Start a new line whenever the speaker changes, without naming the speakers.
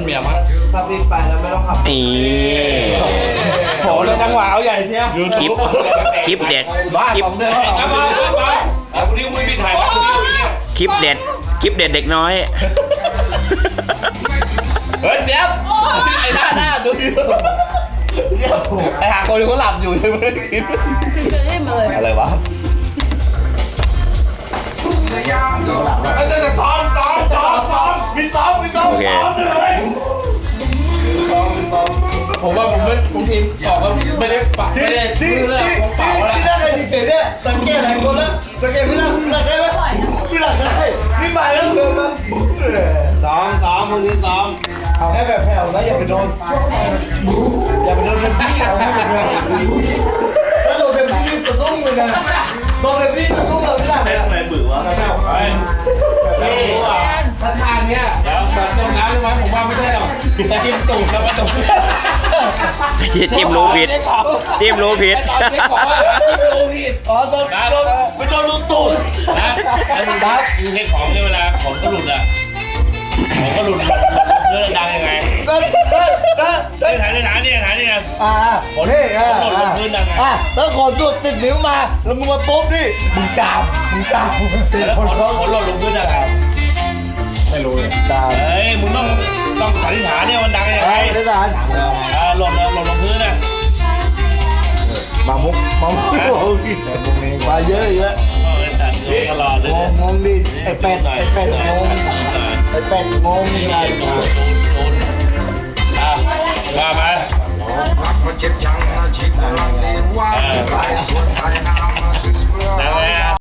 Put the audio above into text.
เมียมั้ง
ถ้าพี่ไปแล้วไม่ต้องขับ
นี่
โหแล้วจังหวะเอาใหญ่เชียว
คลิปเด็ด
บ้า
คลิป
ผมเดินเอามาเอาคนนี้ไม่มีถ่ายมาคนนี้เนี่ย
คลิปเด็ดเด็กน้อย
เฮ้ยเดี๋ยวไอ้หน้าดูดิไอ้หาคนเขาหลับอยู่ใช่ไหมอะไรวะไอ้เจ้าซ้อมมีซ้อม
โอเค
ผมว่าผมทีมบอกว่าไม่ได้ปะไม่ได้ชื่อเรื่องของเปล่าแล้ว
พี่ได้ใครดีเด่นเนี่ยสังเกตหลายคนแล้วสังเกตพี่หลักได้ไหมพี่หลักได้พี่ไปแล้วเดินมาซ้อมคนนี้ซ้อมเอาแค่แบบแผ่วนะอย่าไปโดนอย่าไปโดนเป็นพี่เอาให้เป็นแบบถ้าโดนเป็นพี่จะต้องเลยนะโดนเป็นพี่จะต้องเลยไม่ได้เลยอะไรบื้อวะแผ่ว
นี่ถ้าทางเนี้ยแบบตรงน้ำใช่ไหมผมว่าไม่ใช่หรอกจิ้มตูดแล้วมาตรง
จิ้มรู้ผิดจิ้มรู้ผิด
ตอนที่ขอจิ้มรู้ผิด
อ๋อโดนไม่โดนลูกตูด
นะแล้วดูนะดูเทคของเนี่ยเวลาของก็หลุดอ่ะของก็หลุดเรื่องดังยังไงถ่ายนี่ไง
แล้วขนสุดติดนิ้วมาแล้วมึงมาปุ๊บนี่มึงจามติด
แล้ว
คน
ข
เขา
นหล่นลงพื้นยังไง
ไม่รู้เลยจาม
เฮ้ยมึงต้องสันนิษฐานเนี่ยมันดังยังไง
ได้สาร
หล่นลงพื้นนะ
มามุกมาเยอะ
ตัดเลยตลอดเลย
งงดิไอ้เป็ดงงนี่ไง
ว่ามา
รักมาเจ็บจังอาชีพกำลังเรียนว่าจะไปสุดท้ายน้ำมาถึงเมื่อ